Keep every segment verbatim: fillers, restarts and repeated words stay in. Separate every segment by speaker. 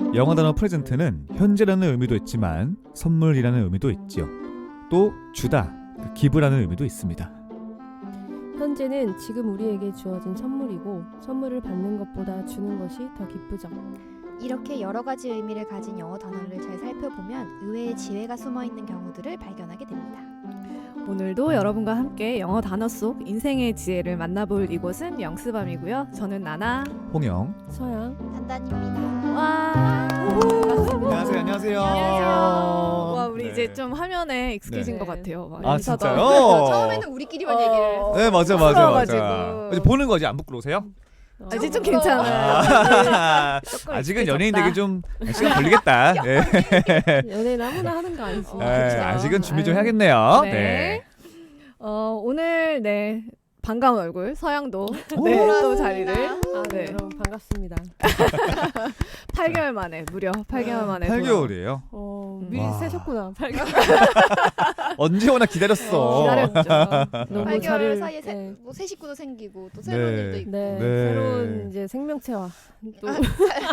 Speaker 1: 영어 단어 프레젠트는 현재라는 의미도 있지만 선물이라는 의미도 있지요. 또 주다, 기브라는 의미도 있습니다.
Speaker 2: 현재는 지금 우리에게 주어진 선물이고 선물을 받는 것보다 주는 것이 더 기쁘죠.
Speaker 3: 이렇게 여러 가지 의미를 가진 영어 단어를 잘 살펴보면 의외의 지혜가 숨어있는 경우들을 발견하게 됩니다.
Speaker 4: 오늘도 여러분과 함께 영어 단어 속 인생의 지혜를 만나볼 이곳은 영스밤이고요. 저는 나나.
Speaker 1: 홍영.
Speaker 2: 서양.
Speaker 3: 단단입니다.
Speaker 4: 와.
Speaker 1: 안녕하세요. 안녕하세요.
Speaker 4: 와, 우리
Speaker 1: 네.
Speaker 4: 이제 좀 화면에 익숙해진
Speaker 2: 네.
Speaker 4: 것 같아요. 막
Speaker 1: 아,
Speaker 4: 인사도
Speaker 1: 진짜요?
Speaker 4: 하고.
Speaker 3: 처음에는 우리끼리만
Speaker 4: 어.
Speaker 3: 얘기를 해서
Speaker 1: 네, 맞아, 맞아, 맞아.
Speaker 4: 부끄러워가지고.
Speaker 1: 이제 보는 거지 안 부끄러우세요?
Speaker 4: 아, 이제 좀
Speaker 3: 부끄러워.
Speaker 4: 괜찮아요.
Speaker 1: 아,
Speaker 4: 조금
Speaker 1: 아직은
Speaker 4: 익숙해졌다.
Speaker 1: 연예인 되기 좀 시간 걸리겠다. 네.
Speaker 2: 연예인 아무나 하는 거 아니지.
Speaker 3: 어,
Speaker 1: 네,
Speaker 3: 그렇죠.
Speaker 1: 아직은 준비 좀
Speaker 4: 아유.
Speaker 1: 해야겠네요.
Speaker 4: 네.
Speaker 1: 네.
Speaker 4: 어, 오늘 네 반가운 얼굴 서양도
Speaker 1: 오.
Speaker 4: 네, 또 자리를
Speaker 2: 아,
Speaker 4: 네.
Speaker 2: 네. 여러분 반갑습니다.
Speaker 4: 팔 개월 만에 무려 팔 개월 만에
Speaker 1: 팔
Speaker 4: 돌아온-
Speaker 1: 개월이에요.
Speaker 2: 어, 미리
Speaker 1: 와.
Speaker 2: 세셨구나. 팔 개월.
Speaker 1: 언제 오나 기다렸어.
Speaker 4: 기다렸죠.
Speaker 2: 너무
Speaker 3: 팔 개월
Speaker 2: 자리를-
Speaker 3: 사이에 새,
Speaker 2: 네.
Speaker 3: 뭐 새 식구도 생기고 또 새로운
Speaker 1: 네.
Speaker 3: 일도 있고
Speaker 2: 네,
Speaker 1: 네.
Speaker 2: 새로운 이제 생명체와 또
Speaker 3: 아,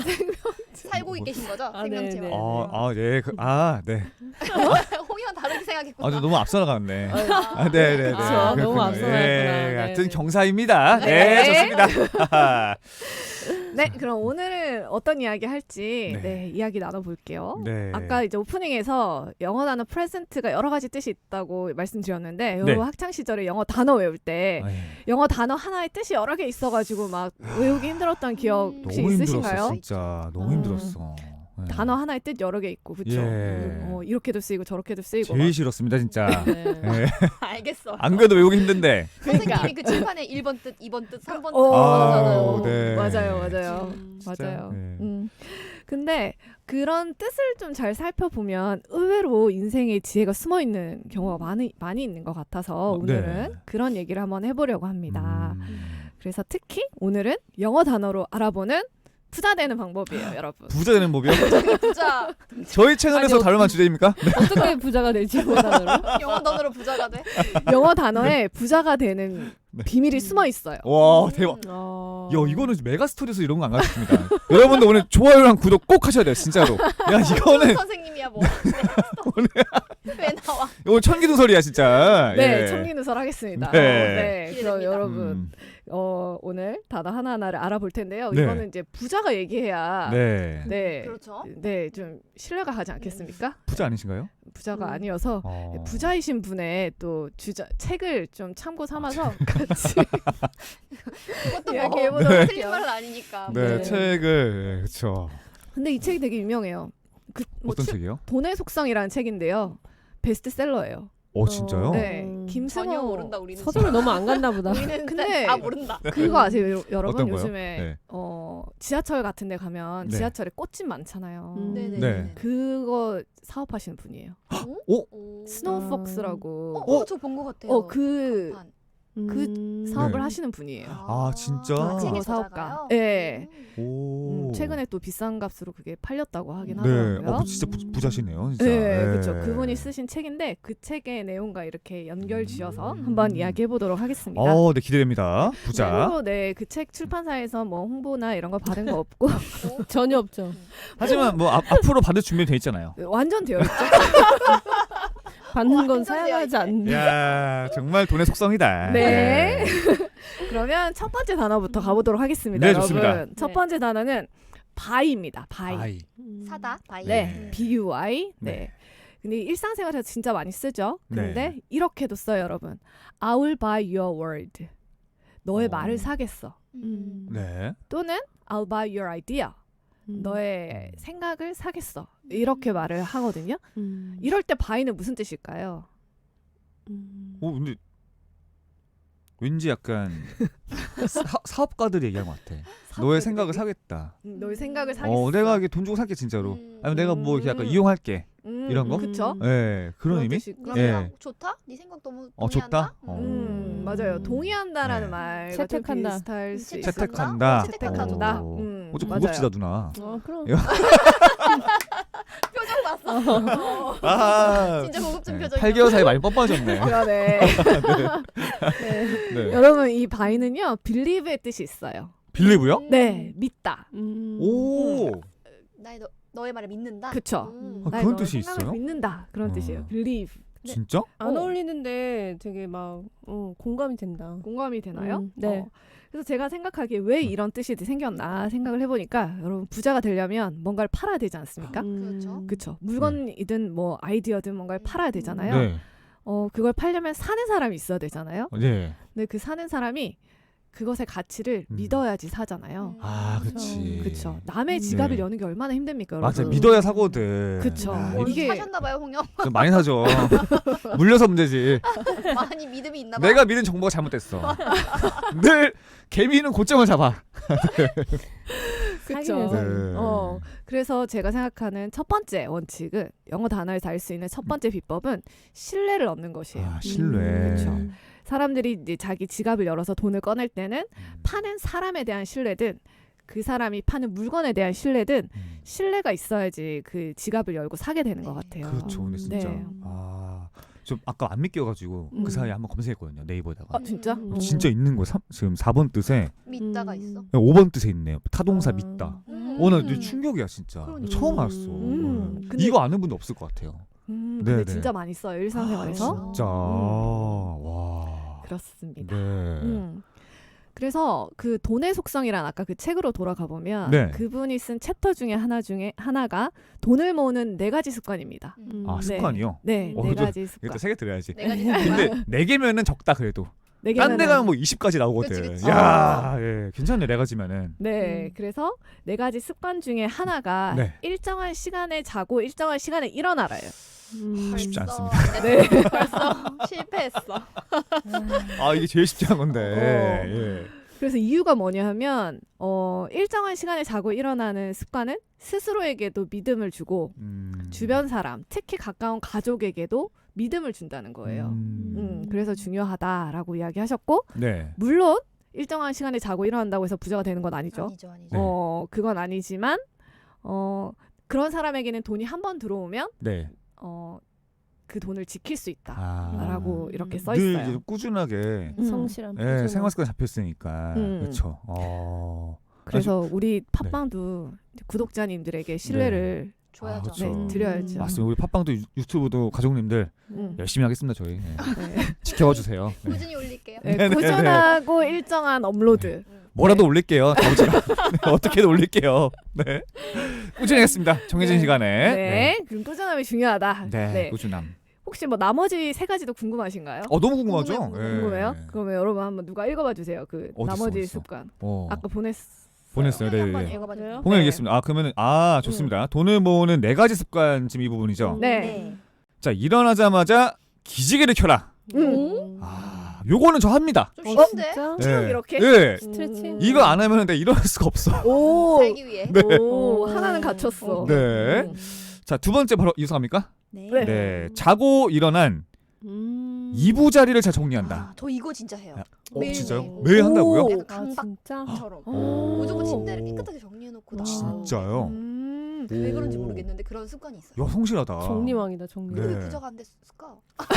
Speaker 3: 살고 계신 거죠?
Speaker 2: 아,
Speaker 3: 생명체와.
Speaker 2: 네, 네.
Speaker 1: 아, 아, 네. 그, 아, 네.
Speaker 3: 홍이랑 다르게 생각했구나.
Speaker 1: 아, 저 너무 앞서 나갔네.
Speaker 3: 아,
Speaker 1: 아, 네, 네, 네.
Speaker 2: 그쵸. 너무
Speaker 1: 그렇군요.
Speaker 2: 앞서 나갔구나.
Speaker 1: 예,
Speaker 2: 네,
Speaker 1: 같은
Speaker 2: 네.
Speaker 1: 경사입니다. 네,
Speaker 4: 네.
Speaker 1: 좋습니다.
Speaker 4: 네, 그럼 오늘은 어떤 이야기 할지
Speaker 1: 네.
Speaker 4: 네, 이야기 나눠볼게요.
Speaker 1: 네.
Speaker 4: 아까 이제 오프닝에서 영어 단어 프레젠트가 여러 가지 뜻이 있다고 말씀드렸는데
Speaker 1: 네.
Speaker 4: 여러분 학창 시절에 영어 단어 외울 때
Speaker 1: 아이,
Speaker 4: 영어 단어 하나의 뜻이 여러 개 있어가지고 막 외우기 힘들었던 기억
Speaker 3: 음,
Speaker 4: 혹시
Speaker 1: 너무
Speaker 4: 있으신가요?
Speaker 1: 힘들었어, 진짜. 너무
Speaker 4: 음.
Speaker 1: 힘들었어. 네.
Speaker 4: 단어 하나의 뜻 여러 개 있고 그쵸?
Speaker 1: 예.
Speaker 4: 어, 이렇게도 쓰이고 저렇게도 쓰이고
Speaker 1: 제일 싫었습니다, 진짜.
Speaker 2: 네.
Speaker 1: 예.
Speaker 3: 알겠어.
Speaker 1: 안 그래도 외우기 힘든데.
Speaker 3: 선생님이 그 칠판에 일 번 뜻, 이 번 뜻, 삼 번 뜻
Speaker 4: 어,
Speaker 1: 아우,
Speaker 3: 나오잖아요.
Speaker 1: 네.
Speaker 4: 맞아요, 맞아요,
Speaker 2: 음,
Speaker 1: 진짜,
Speaker 4: 맞아요.
Speaker 1: 네.
Speaker 4: 음. 근데 그런 뜻을 좀 잘 살펴보면 의외로 인생의 지혜가 숨어 있는 경우가 많이 많이 있는 것 같아서
Speaker 1: 어, 네.
Speaker 4: 오늘은 그런 얘기를 한번 해보려고 합니다.
Speaker 1: 음.
Speaker 4: 그래서 특히 오늘은 영어 단어로 알아보는 부자 되는 방법이에요, 여러분.
Speaker 1: 부자 되는 법이요?
Speaker 3: 부자.
Speaker 1: 저희 채널에서
Speaker 2: 아니,
Speaker 1: 다룰 만한 주제입니까?
Speaker 2: 어떻게 부자가 될지 모르다로.
Speaker 3: 영어 단어로 부자가 돼?
Speaker 4: 영어 단어에 부자가 되는
Speaker 1: 네.
Speaker 4: 비밀이 숨어 있어요.
Speaker 1: 와, 대박.
Speaker 2: 어...
Speaker 1: 야, 이거는 메가스토리에서 이런 거 안 가르칩니다. 여러분들 오늘 좋아요랑 구독 꼭 하셔야 돼요, 진짜로. 야, 이거는
Speaker 3: 선생님이야 뭐. 왜 나와?
Speaker 1: 이거 천기누설이야, 진짜.
Speaker 4: 네,
Speaker 1: 예.
Speaker 4: 청기누설 하겠습니다.
Speaker 1: 네.
Speaker 4: 어, 네, 그럼
Speaker 3: 기대됩니다.
Speaker 4: 여러분
Speaker 1: 음,
Speaker 4: 어, 오늘 단어 하나하나를 알아볼 텐데요.
Speaker 1: 네.
Speaker 4: 이거는 이제 부자가 얘기해야
Speaker 1: 네.
Speaker 4: 네,
Speaker 3: 그렇죠.
Speaker 4: 네, 좀 신뢰가 가지 않겠습니까?
Speaker 1: 부자 아니신가요?
Speaker 4: 부자가
Speaker 2: 음.
Speaker 4: 아니어서
Speaker 1: 어.
Speaker 4: 네, 부자이신 분의 또 주자 책을 좀 참고 삼아서 같이
Speaker 3: 그것도
Speaker 4: 이야기해보도록
Speaker 3: 뭐
Speaker 4: 할게요.
Speaker 3: 틀린 말은 아니니까.
Speaker 1: 네,
Speaker 2: 네.
Speaker 1: 책을 그렇죠.
Speaker 4: 근데 이 책이 되게 유명해요. 그, 뭐
Speaker 1: 어떤
Speaker 4: 출-
Speaker 1: 책이요?
Speaker 4: 돈의 속성이라는 책인데요. 베스트셀러예요.
Speaker 1: 어, 진짜요?
Speaker 4: 네,
Speaker 2: 음.
Speaker 4: 김승호
Speaker 3: 전혀 모른다 우리는.
Speaker 2: 서점을 너무 안 갔나 보다.
Speaker 3: 우리는
Speaker 4: 근데-
Speaker 3: 근데 다 모른다.
Speaker 4: 그거 아세요, 여- 여러분?
Speaker 1: 어떤 거요?
Speaker 4: 요즘에
Speaker 1: 네.
Speaker 4: 어, 지하철 같은 데 가면
Speaker 1: 네.
Speaker 4: 지하철에 꽃집 많잖아요.
Speaker 2: 음.
Speaker 3: 네네.
Speaker 1: 네.
Speaker 4: 그거 사업하시는 분이에요.
Speaker 1: 오?
Speaker 3: 오.
Speaker 4: 스노우폭스라고.
Speaker 3: 어, 어, 저 본 것 같아요.
Speaker 4: 어, 그
Speaker 3: 간판.
Speaker 4: 그
Speaker 2: 음.
Speaker 4: 사업을
Speaker 1: 네.
Speaker 4: 하시는 분이에요.
Speaker 1: 아, 진짜?
Speaker 4: 아,
Speaker 3: 책의
Speaker 4: 사업가.
Speaker 3: 저자가요?
Speaker 4: 네.
Speaker 3: 음.
Speaker 1: 오.
Speaker 4: 음, 최근에 또 비싼 값으로 그게 팔렸다고 하긴
Speaker 1: 네.
Speaker 4: 하더라고요.
Speaker 1: 어, 진짜 부, 부자시네요, 진짜.
Speaker 4: 네,
Speaker 1: 네.
Speaker 4: 그렇죠. 그분이 쓰신 책인데 그 책의 내용과 이렇게 연결 지어서
Speaker 3: 음.
Speaker 4: 한번 이야기해 보도록 하겠습니다.
Speaker 1: 어, 네, 기대됩니다. 부자.
Speaker 4: 그리고 네, 그 책 출판사에서 뭐 홍보나 이런 거 받은 거 없고
Speaker 3: 어?
Speaker 2: 전혀 없죠.
Speaker 1: 하지만 뭐 앞, 앞으로 받을 준비 돼 있잖아요.
Speaker 4: 완전 되어 있죠.
Speaker 2: 받는 건
Speaker 3: 완전
Speaker 2: 사양하지
Speaker 3: 되어
Speaker 2: 않는.
Speaker 1: 야, 정말 돈의 속성이다.
Speaker 4: 네. 그러면 첫 번째 단어부터 가보도록 하겠습니다.
Speaker 1: 네,
Speaker 4: 여러분.
Speaker 1: 좋습니다.
Speaker 4: 첫
Speaker 2: 네.
Speaker 4: 번째 단어는 바이입니다. 바이.
Speaker 1: 아이.
Speaker 2: 음.
Speaker 3: 사다 바이.
Speaker 4: 네,
Speaker 1: 네.
Speaker 4: B U I. 네.
Speaker 1: 네.
Speaker 4: 근데 일상생활에서 진짜 많이 쓰죠. 근데
Speaker 1: 네.
Speaker 4: 이렇게도 써요, 여러분. I will buy your word. 너의
Speaker 1: 어.
Speaker 4: 말을 사겠어.
Speaker 2: 음.
Speaker 1: 네.
Speaker 4: 또는 I'll buy your idea.
Speaker 2: 음.
Speaker 4: 너의 생각을 사겠어. 이렇게 말을 하거든요.
Speaker 2: 음.
Speaker 4: 이럴 때 buy는 무슨 뜻일까요?
Speaker 2: 음.
Speaker 1: 오, 근데 왠지 약간 사, 사업가들이 얘기한 것 같아. 너의 생각을 사겠다.
Speaker 4: 음, 너의 생각을 사겠어.
Speaker 1: 어, 내가 이게 돈 주고 살게 진짜로.
Speaker 3: 음.
Speaker 1: 아니면 내가 뭐 이렇게 약간
Speaker 4: 음.
Speaker 1: 이용할게.
Speaker 4: 음,
Speaker 1: 이런 거?
Speaker 4: 그쵸?
Speaker 2: 음.
Speaker 1: 네, 그런 의미?
Speaker 4: 뜻이 있구나.
Speaker 3: 그럼
Speaker 1: 예.
Speaker 3: 그냥 좋다? 네 생각 너무
Speaker 1: 어,
Speaker 3: 동의한다?
Speaker 1: 좋다? 어.
Speaker 4: 음, 맞아요. 동의한다라는
Speaker 1: 네.
Speaker 4: 말과 좀
Speaker 2: 채택한다.
Speaker 4: 비슷할 수
Speaker 3: 음,
Speaker 4: 있어요.
Speaker 1: 채택한다.
Speaker 3: 채택한다.
Speaker 1: 어.
Speaker 4: 음,
Speaker 1: 어, 좀
Speaker 4: 맞아요.
Speaker 1: 고급지다 누나.
Speaker 2: 어, 그럼.
Speaker 1: 이거-
Speaker 3: 표정 봤어.
Speaker 1: 아,
Speaker 3: 진짜 고급진
Speaker 1: 네,
Speaker 3: 표정이야.
Speaker 1: 팔 개월 사이 많이 뻔뻔해졌네.
Speaker 4: 그러네.
Speaker 1: 네. 네.
Speaker 4: 여러분 이 바이는요 believe의 뜻이 있어요.
Speaker 1: 빌리브요?
Speaker 3: 음.
Speaker 4: 네, 믿다.
Speaker 2: 음.
Speaker 1: 오.
Speaker 3: 나의 너, 너의 말을 믿는다.
Speaker 4: 그쵸.
Speaker 3: 음.
Speaker 1: 아,
Speaker 4: 나의
Speaker 1: 그런
Speaker 4: 너의
Speaker 1: 뜻이
Speaker 4: 생각을
Speaker 1: 있어요?
Speaker 4: 믿는다. 그런
Speaker 1: 어.
Speaker 4: 뜻이에요. believe.
Speaker 2: 네.
Speaker 1: 진짜?
Speaker 2: 안
Speaker 4: 어.
Speaker 2: 어울리는데 되게 막 어, 공감이 된다.
Speaker 4: 공감이 되나요?
Speaker 2: 음, 네.
Speaker 4: 어. 그래서 제가 생각하기에 왜
Speaker 1: 음.
Speaker 4: 이런 뜻이 생겼나 생각을 해보니까 여러분 부자가 되려면 뭔가를 팔아야 되지 않습니까?
Speaker 3: 그렇죠.
Speaker 4: 그쵸. 물건이든 뭐 아이디어든 뭔가를 팔아야 되잖아요.
Speaker 1: 네.
Speaker 4: 어, 그걸 팔려면 사는 사람이 있어야 되잖아요.
Speaker 1: 네.
Speaker 4: 근데 그 사는 사람이 그것의 가치를
Speaker 1: 음.
Speaker 4: 믿어야지 사잖아요.
Speaker 3: 음.
Speaker 1: 아, 그치.
Speaker 4: 그쵸. 남의 지갑을
Speaker 1: 네.
Speaker 4: 여는 게 얼마나 힘듭니까,
Speaker 1: 맞아,
Speaker 4: 여러분?
Speaker 1: 믿어야 사거든.
Speaker 4: 그쵸.
Speaker 1: 아,
Speaker 3: 어,
Speaker 4: 이게-
Speaker 3: 사셨나봐요, 홍영.
Speaker 1: 좀 많이 사죠. 물려서 문제지.
Speaker 3: 많이 믿음이 있나봐.
Speaker 1: 내가 믿은 정보가 잘못됐어. 늘 개미는 고점을 잡아.
Speaker 4: 그쵸.
Speaker 2: 사귀면서.
Speaker 1: 네.
Speaker 4: 어, 그래서 제가 생각하는 첫 번째 원칙은 영어 단어에서 알 수 있는 첫 번째 비법은 신뢰를 얻는 것이에요.
Speaker 1: 아, 신뢰.
Speaker 2: 음,
Speaker 4: 그쵸. 사람들이 이제 자기 지갑을 열어서 돈을 꺼낼 때는
Speaker 1: 음.
Speaker 4: 파는 사람에 대한 신뢰든 그 사람이 파는 물건에 대한 신뢰든
Speaker 1: 음.
Speaker 4: 신뢰가 있어야지 그 지갑을 열고 사게 되는 것
Speaker 3: 네.
Speaker 4: 같아요.
Speaker 1: 그렇죠. 근데 진짜.
Speaker 4: 네.
Speaker 1: 아, 좀 아까 안 믿겨가지고
Speaker 4: 음.
Speaker 1: 그 사이에 한번 검색했거든요. 네이버에다가.
Speaker 4: 아 진짜?
Speaker 2: 음.
Speaker 4: 어.
Speaker 1: 진짜 있는 거 삼, 지금 사 번 뜻에
Speaker 3: 믿다가
Speaker 2: 음.
Speaker 3: 있어.
Speaker 1: 오 번 뜻에 있네요. 타동사
Speaker 2: 아.
Speaker 1: 믿다.
Speaker 3: 음.
Speaker 1: 오늘 음. 충격이야 진짜.
Speaker 3: 그러니까.
Speaker 1: 처음 알았어.
Speaker 4: 음. 근데-
Speaker 1: 이거 아는 분도 없을 것 같아요.
Speaker 4: 음,
Speaker 1: 네,
Speaker 4: 근데
Speaker 1: 네.
Speaker 4: 진짜 많이 써요 일상생활에서.
Speaker 3: 아,
Speaker 1: 진짜.
Speaker 4: 음.
Speaker 1: 와.
Speaker 4: 그렇습니다.
Speaker 1: 네.
Speaker 4: 음. 그래서 그 돈의 속성이란 아까 그 책으로 돌아가 보면
Speaker 1: 네.
Speaker 4: 그분이 쓴 챕터 중에 하나 중에 하나가 돈을 모으는 네 가지 습관입니다.
Speaker 3: 음.
Speaker 1: 아,
Speaker 4: 네.
Speaker 1: 습관이요?
Speaker 4: 네,
Speaker 1: 어,
Speaker 4: 네
Speaker 1: 또-
Speaker 4: 가지 습관.
Speaker 1: 이것도 세 개 들어야지.
Speaker 3: 내가 지금
Speaker 1: 근데 네 개면은 적다 그래도.
Speaker 4: 네
Speaker 1: 딴
Speaker 4: 개면은-
Speaker 1: 데 가면 뭐 이십 가지 나오거든.
Speaker 3: 그치, 그치.
Speaker 1: 야, 예. 괜찮네. 네 가지면은.
Speaker 4: 네,
Speaker 2: 음.
Speaker 4: 그래서 네 가지 습관 중에 하나가
Speaker 1: 네.
Speaker 4: 일정한 시간에 자고 일정한 시간에 일어나라요.
Speaker 2: 음.
Speaker 1: 쉽지
Speaker 3: 벌써
Speaker 1: 않습니다.
Speaker 4: 네.
Speaker 3: 벌써 실패했어.
Speaker 1: 아, 이게 제일 쉽지 않은 건데.
Speaker 4: 어.
Speaker 1: 예.
Speaker 4: 그래서 이유가 뭐냐 하면 어, 일정한 시간에 자고 일어나는 습관은 스스로에게도 믿음을 주고
Speaker 1: 음.
Speaker 4: 주변 사람, 특히 가까운 가족에게도 믿음을 준다는 거예요.
Speaker 1: 음.
Speaker 4: 음, 그래서 중요하다라고 이야기하셨고
Speaker 1: 네.
Speaker 4: 물론 일정한 시간에 자고 일어난다고 해서 부자가 되는 건 아니죠.
Speaker 3: 아니죠, 아니죠.
Speaker 1: 네.
Speaker 4: 어, 그건 아니지만 어, 그런 사람에게는 돈이 한 번 들어오면
Speaker 1: 네.
Speaker 4: 어, 그 돈을 지킬 수 있다.
Speaker 1: 아.
Speaker 4: 라고
Speaker 2: 음.
Speaker 4: 이렇게 써
Speaker 1: 늘
Speaker 4: 있어요.
Speaker 1: 이제 꾸준하게
Speaker 4: 음.
Speaker 2: 성실함.
Speaker 1: 예,
Speaker 2: 꾸준함.
Speaker 1: 생활 습관 잡혀 있으니까.
Speaker 4: 음.
Speaker 1: 그렇죠. 어.
Speaker 4: 그래서 우리 팟빵도 이제 구독자님들에게 신뢰를
Speaker 3: 줘야죠.
Speaker 1: 그렇죠.
Speaker 4: 네, 드려야죠.
Speaker 1: 맞습니다. 우리 팟빵도 유- 유튜브도 가족님들
Speaker 4: 음.
Speaker 1: 열심히 하겠습니다. 저희. 예.
Speaker 4: 네.
Speaker 1: 지켜봐 주세요. 예.
Speaker 3: 꾸준히 올릴게요.
Speaker 4: 네,
Speaker 1: 네네네.
Speaker 4: 꾸준하고 일정한 업로드.
Speaker 3: 음.
Speaker 1: 뭐라도 올릴게요. 다음주에. 네, 어떻게든 올릴게요. 네. 꾸준히 하겠습니다. 정해진
Speaker 4: 네.
Speaker 1: 시간에.
Speaker 4: 네. 그럼 꾸준함이 중요하다.
Speaker 1: 네.
Speaker 4: 네.
Speaker 1: 꾸준함.
Speaker 4: 혹시 뭐 나머지 세 가지도 궁금하신가요?
Speaker 1: 어, 너무 궁금하죠?
Speaker 3: 궁금해요,
Speaker 1: 예.
Speaker 4: 궁금해요? 그러면 여러분 한번 누가 읽어봐 주세요. 그
Speaker 1: 어딨어,
Speaker 4: 나머지
Speaker 1: 어딨어?
Speaker 4: 습관.
Speaker 1: 어.
Speaker 4: 아까 보냈.
Speaker 1: 보냈어요. 네.
Speaker 3: 한번
Speaker 1: 네.
Speaker 3: 읽어봐 주세요.
Speaker 1: 봉해
Speaker 4: 네.
Speaker 1: 알겠습니다. 아, 그러면은 아, 좋습니다. 돈을 모으는 네 가지 습관 지금 이 부분이죠.
Speaker 2: 음.
Speaker 4: 네.
Speaker 1: 자, 일어나자마자 기지개를 켜라.
Speaker 2: 음.
Speaker 1: 아, 요거는 저 합니다.
Speaker 3: 좀
Speaker 2: 어,
Speaker 3: 쉬운데?
Speaker 2: 진짜?
Speaker 4: 쭉 이렇게?
Speaker 1: 네.
Speaker 2: 스트레칭?
Speaker 1: 이거 안 하면 내가 일어날 수가 없어.
Speaker 4: 오.
Speaker 3: 살기 위해.
Speaker 1: 네.
Speaker 4: 오,
Speaker 2: 오.
Speaker 4: 하나는 갖췄어.
Speaker 1: 네.
Speaker 4: 음.
Speaker 1: 자, 두 번째 바로 이수합니까?
Speaker 3: 네.
Speaker 4: 네.
Speaker 1: 네. 자고 일어난
Speaker 2: 음.
Speaker 1: 이부자리를 잘 정리한다.
Speaker 3: 아, 저 이거 진짜 해요.
Speaker 1: 아, 어,
Speaker 3: 매일
Speaker 1: 진짜요?
Speaker 3: 매일.
Speaker 1: 매일 한다고요?
Speaker 4: 오.
Speaker 3: 약간
Speaker 2: 아, 진짜?
Speaker 3: 강박처럼.
Speaker 1: 오.
Speaker 3: 무조건 침대를 깨끗하게 정리해놓고 나.
Speaker 1: 진짜요?
Speaker 4: 음.
Speaker 3: 왜 그런지
Speaker 1: 오.
Speaker 3: 모르겠는데 그런 습관이 있어요.
Speaker 1: 야, 성실하다.
Speaker 2: 정리왕이다, 정리왕.
Speaker 3: 근데
Speaker 1: 네.
Speaker 3: 왜 부자가 안 됐을까?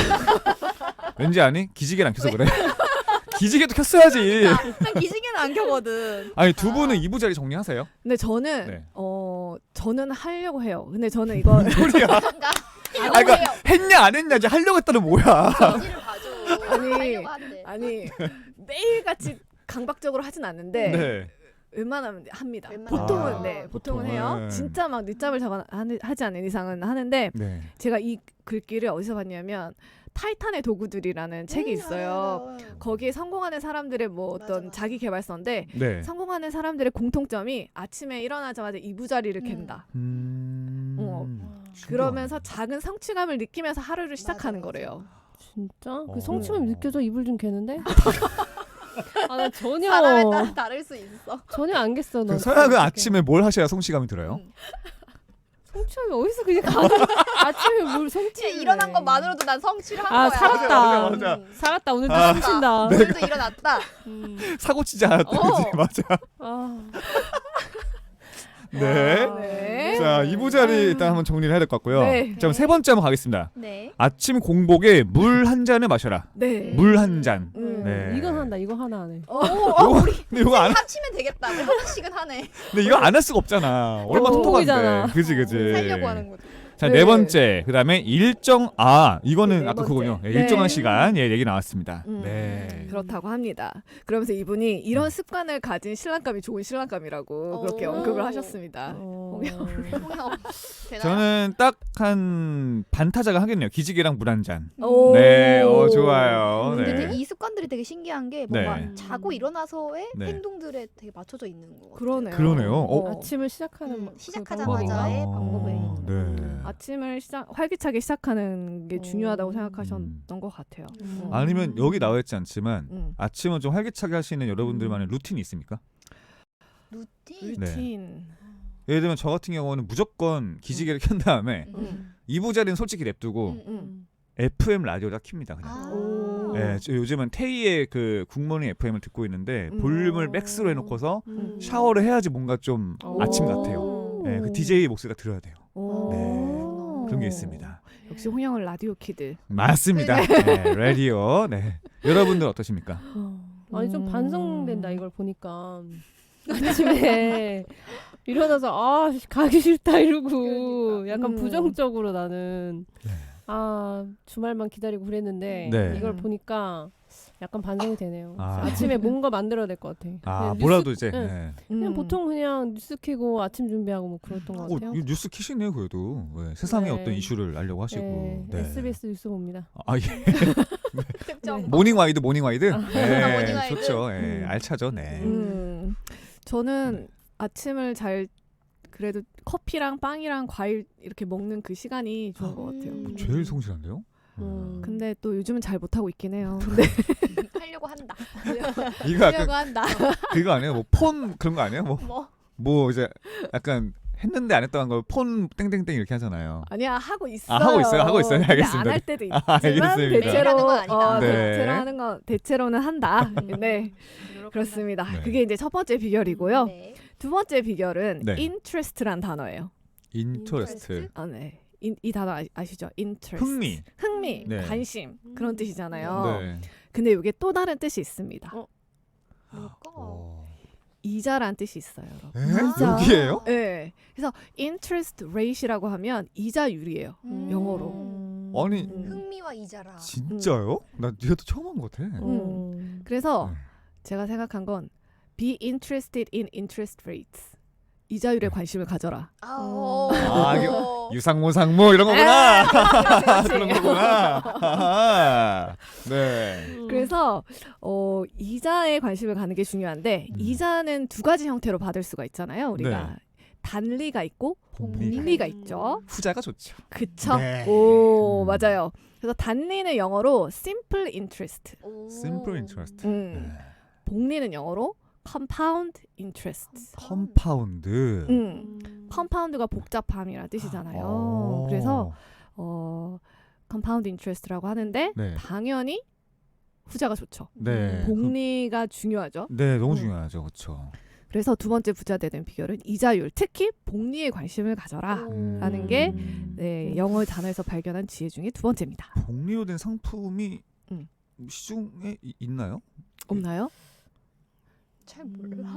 Speaker 1: 왠지 아니? 기지개를 안 켜서 그래. 기지개도 켰어야지.
Speaker 3: 난 기지개는 안 켜거든.
Speaker 1: 아니, 두 분은 이부자리 정리하세요?
Speaker 4: 근데 저는
Speaker 1: 네.
Speaker 4: 어 저는 하려고 해요. 근데 저는 이거
Speaker 1: 소리야.
Speaker 3: 아,
Speaker 1: 그러니까 했냐 안 했냐 이제 하려고 했다는 뭐야.
Speaker 3: 전지를 봐줘.
Speaker 4: 아니,
Speaker 3: 하려고 한대.
Speaker 4: 아니 매일같이 강박적으로 하진 않는데
Speaker 1: 네.
Speaker 4: 웬만하면 합니다.
Speaker 3: 웬만하면.
Speaker 4: 보통은
Speaker 1: 아,
Speaker 4: 네 보통은
Speaker 1: 보통은.
Speaker 4: 해요. 진짜 막 늦잠을 자거나 하는- 하지 않는 이상은 하는데
Speaker 1: 네.
Speaker 4: 제가 이 글귀를 어디서 봤냐면 타이탄의 도구들이라는 책이
Speaker 3: 음,
Speaker 4: 있어요.
Speaker 3: 알아요, 알아요.
Speaker 4: 거기에 성공하는 사람들의 뭐
Speaker 3: 맞아,
Speaker 4: 어떤
Speaker 3: 맞아.
Speaker 4: 자기 개발서인데
Speaker 1: 네.
Speaker 4: 성공하는 사람들의 공통점이 아침에 일어나자마자 이부자리를
Speaker 3: 음.
Speaker 4: 캔다.
Speaker 1: 음.
Speaker 4: 어.
Speaker 1: 신기하네.
Speaker 4: 그러면서 작은 성취감을 느끼면서 하루를 시작하는
Speaker 3: 맞아, 맞아.
Speaker 4: 거래요.
Speaker 2: 진짜?
Speaker 1: 어.
Speaker 2: 그 성취감이 느껴져? 이불 좀 개는데? 아, 나 전혀
Speaker 3: 사람에 따라 다를 수 있어.
Speaker 2: 전혀 안 겠어. 너.
Speaker 1: 그 서양은 아침에 뭘 하셔야 성취감이 들어요?
Speaker 3: 음.
Speaker 2: 성취감이 어디서 그냥 가는 아침에 뭘 성취?
Speaker 3: 진짜 일어난 것만으로도 난 성취를 한
Speaker 2: 아,
Speaker 3: 거야.
Speaker 2: 살았다.
Speaker 1: 맞아, 맞아.
Speaker 3: 음.
Speaker 2: 살았다. 오늘도
Speaker 1: 아.
Speaker 2: 숨쉰다.
Speaker 3: 오늘도 일어났다.
Speaker 2: 음.
Speaker 1: 사고 치지 않았다.
Speaker 3: 어.
Speaker 1: 그지? 맞아.
Speaker 2: 아.
Speaker 1: 네.
Speaker 4: 네.
Speaker 1: 자, 이부자리 일단 한번 정리를 해야 될 것 같고요.
Speaker 4: 네.
Speaker 1: 자, 그럼 세 번째 한번 가겠습니다.
Speaker 3: 네.
Speaker 1: 아침 공복에 물 한 잔을 마셔라.
Speaker 4: 네.
Speaker 1: 물 한 잔.
Speaker 4: 음.
Speaker 1: 네.
Speaker 2: 이건 한다. 이거 하나 안 해.
Speaker 3: 오, 어, 우리
Speaker 1: 근데 이거 안,
Speaker 3: 합치면 되겠다. 우리 하나씩은 하네.
Speaker 1: 근데 이거 안 할 수가 없잖아. 얼마나
Speaker 2: 어,
Speaker 1: 똑똑한데.
Speaker 2: 공복이잖아.
Speaker 1: 그지, 그지.
Speaker 3: 살려고 하는 거죠.
Speaker 1: 자,
Speaker 4: 네.
Speaker 1: 네 번째. 그다음에 일정 아, 이거는
Speaker 4: 네, 네
Speaker 1: 아까
Speaker 4: 번째.
Speaker 1: 그거군요. 예,
Speaker 4: 네.
Speaker 1: 일정한 시간 예, 얘기 나왔습니다.
Speaker 4: 음.
Speaker 1: 네.
Speaker 4: 그렇다고 합니다. 그러면서 이분이 이런 습관을 가진 신랑감이 좋은 신랑감이라고 그렇게
Speaker 3: 오.
Speaker 4: 언급을 하셨습니다.
Speaker 2: 어...
Speaker 3: 홍영 되나요?
Speaker 1: 저는 딱 한 반타자가 하겠네요. 기지개랑 물 한 잔.
Speaker 4: 오.
Speaker 1: 네, 어 좋아요.
Speaker 3: 근데
Speaker 1: 네.
Speaker 3: 되게 이 습관들이 되게 신기한 게 뭔가
Speaker 1: 네.
Speaker 3: 자고 일어나서의
Speaker 1: 네.
Speaker 3: 행동들에 되게 맞춰져 있는 것 같아요.
Speaker 4: 그러네요.
Speaker 1: 그러네요. 어?
Speaker 2: 아침을 시작하는
Speaker 3: 음,
Speaker 2: 그
Speaker 3: 시작하자마자의
Speaker 2: 방법인가?
Speaker 3: 방법에
Speaker 1: 어, 네.
Speaker 4: 아침을 시작 활기차게 시작하는 게
Speaker 2: 어.
Speaker 4: 중요하다고 생각하셨던
Speaker 1: 음.
Speaker 4: 것 같아요.
Speaker 3: 음.
Speaker 1: 아니면 여기 나와 있지 않지만
Speaker 4: 음.
Speaker 1: 아침은 좀 활기차게 하시는 여러분들만의 루틴이 있습니까?
Speaker 3: 루틴.
Speaker 1: 네.
Speaker 4: 루틴.
Speaker 1: 예를 들면 저 같은 경우는 무조건 기지개를 켠 다음에
Speaker 3: 음.
Speaker 1: 이부 자리는 솔직히 냅두고
Speaker 3: 음, 음.
Speaker 1: 에프엠 라디오다 킵니다. 그냥.
Speaker 3: 아.
Speaker 4: 오.
Speaker 1: 예, 저 요즘은 테이의 그 굿모닝 에프엠을 듣고 있는데
Speaker 4: 음.
Speaker 1: 볼륨을 맥스로 해놓고서
Speaker 2: 음.
Speaker 1: 샤워를 해야지 뭔가 좀
Speaker 2: 오.
Speaker 1: 아침 같아요. 예, 그 디제이 목소리가 들어야 돼요.
Speaker 4: 오.
Speaker 1: 네. 그런 게 있습니다.
Speaker 4: 역시 홍영은 라디오 키드.
Speaker 1: 맞습니다. 네, 라디오. 네. 여러분들 어떠십니까?
Speaker 2: 아니 좀
Speaker 4: 음.
Speaker 2: 반성된다 이걸 보니까 아침에 일어나서 아 가기 싫다 이러고
Speaker 3: 그러니까.
Speaker 2: 약간
Speaker 4: 음.
Speaker 2: 부정적으로 나는
Speaker 1: 네.
Speaker 2: 아 주말만 기다리고 그랬는데
Speaker 1: 네.
Speaker 2: 이걸 보니까 약간 반성이 되네요.
Speaker 1: 아.
Speaker 2: 아침에 뭔가 만들어야 될 것 같아.
Speaker 1: 아,
Speaker 2: 그냥
Speaker 1: 뭐라도
Speaker 2: 뉴스-
Speaker 1: 이제.
Speaker 2: 응.
Speaker 1: 네.
Speaker 2: 그냥
Speaker 4: 음.
Speaker 2: 보통 그냥 뉴스 켜고 아침 준비하고 뭐 그랬던 것
Speaker 1: 어,
Speaker 2: 같아요.
Speaker 1: 이 뉴스 키시네요, 그래도. 네, 세상의
Speaker 2: 네.
Speaker 1: 어떤 이슈를 알려고 하시고.
Speaker 2: 네,
Speaker 1: 네.
Speaker 2: 에스비에스 뉴스 봅니다.
Speaker 1: 아, 예.
Speaker 3: 특정.
Speaker 1: 모닝 와이드, 모닝 와이드. 네,
Speaker 3: 모닝 와이드.
Speaker 1: 좋죠. 네,
Speaker 2: 음.
Speaker 1: 알차죠. 네.
Speaker 4: 음. 저는 아침을 잘 그래도 커피랑 빵이랑 과일 이렇게 먹는 그 시간이 좋은 것 같아요.
Speaker 3: 음.
Speaker 1: 제일 성실한데요?
Speaker 2: 음.
Speaker 4: 근데 또 요즘은 잘 못하고 있긴 해요. 네.
Speaker 3: 하려고 한다.
Speaker 1: 이거 약간
Speaker 3: 하려고 한다.
Speaker 1: 그거 아니에요? 뭐 폰 그런 거 아니에요? 뭐,
Speaker 3: 뭐
Speaker 1: 뭐 이제 약간 했는데 안 했던 걸 폰 땡땡땡 이렇게 하잖아요.
Speaker 4: 아니야 하고 있어요.
Speaker 1: 아, 하고 있어요? 하고 있어요? 네, 알겠습니다.
Speaker 4: 안할 때도 있지만
Speaker 1: 아, 알겠습니다.
Speaker 4: 대체로
Speaker 3: 매일 하는 건 아니다.
Speaker 4: 어,
Speaker 1: 네.
Speaker 4: 대체로 하는 건 대체로는 한다. 네 그렇습니다.
Speaker 1: 네.
Speaker 4: 그게 이제 첫 번째 비결이고요.
Speaker 3: 네.
Speaker 4: 두 번째 비결은
Speaker 1: 네.
Speaker 4: interest란 단어예요.
Speaker 1: 인터레스트.
Speaker 4: 아, 네. 이, 이 단어 아, 아시죠? interest.
Speaker 1: 흥미.
Speaker 4: 흥미,
Speaker 1: 네.
Speaker 4: 관심 그런 뜻이잖아요.
Speaker 1: 네.
Speaker 4: 근데 이게 또 다른 뜻이 있습니다.
Speaker 2: 어?
Speaker 3: 뭘까?
Speaker 1: 어.
Speaker 4: 이자란 뜻이 있어요, 여러분.
Speaker 1: 에?
Speaker 3: 이자.
Speaker 1: 여기에요?
Speaker 4: 네. 그래서 interest rate이라고 하면 이자율이에요.
Speaker 3: 음.
Speaker 4: 영어로.
Speaker 1: 아니
Speaker 4: 음.
Speaker 3: 흥미와 이자라.
Speaker 1: 진짜요? 나 이것도 처음 한 것 같아.
Speaker 2: 음.
Speaker 4: 그래서
Speaker 1: 네.
Speaker 4: 제가 생각한 건 be interested in interest rates. 이자율에 관심을 가져라.
Speaker 3: 아,
Speaker 2: 어.
Speaker 1: 아, 이게
Speaker 3: 어.
Speaker 1: 유상무상무 이런 거구나.
Speaker 4: 그렇지,
Speaker 1: 그런
Speaker 4: 그렇지.
Speaker 1: 거구나. 아하. 네.
Speaker 2: 음.
Speaker 4: 그래서 어, 이자에 관심을 가는 게 중요한데
Speaker 1: 음.
Speaker 4: 이자는 두 가지 형태로 받을 수가 있잖아요. 우리가
Speaker 1: 네.
Speaker 4: 단리가 있고
Speaker 1: 복리.
Speaker 4: 복리가 있죠.
Speaker 1: 후자가 좋죠.
Speaker 4: 그쵸?
Speaker 1: 네.
Speaker 4: 오
Speaker 1: 음.
Speaker 4: 맞아요. 그래서 단리는 영어로 simple interest,
Speaker 3: 오.
Speaker 1: Simple interest.
Speaker 4: 음.
Speaker 1: 네.
Speaker 4: 복리는 영어로 compound interest.
Speaker 1: 컴파운드.
Speaker 4: 음. 컴파운드가 복잡함이라는 뜻이잖아요.
Speaker 1: 어.
Speaker 4: 그래서 어, compound interest라고 하는데
Speaker 1: 네.
Speaker 4: 당연히 후자가 좋죠.
Speaker 1: 네.
Speaker 4: 복리가 중요하죠.
Speaker 1: 네, 너무
Speaker 4: 음.
Speaker 1: 중요하죠. 그렇죠.
Speaker 4: 그래서 두 번째 부자 되는 비결은 이자율, 특히 복리에 관심을 가져라.
Speaker 3: 오.
Speaker 4: 라는 게
Speaker 1: 음.
Speaker 4: 네, 영어 단어에서 발견한 지혜 중에 두 번째입니다.
Speaker 1: 복리로 된 상품이
Speaker 4: 음.
Speaker 1: 시중에 이- 있나요?
Speaker 4: 없나요?
Speaker 3: 잘 몰라.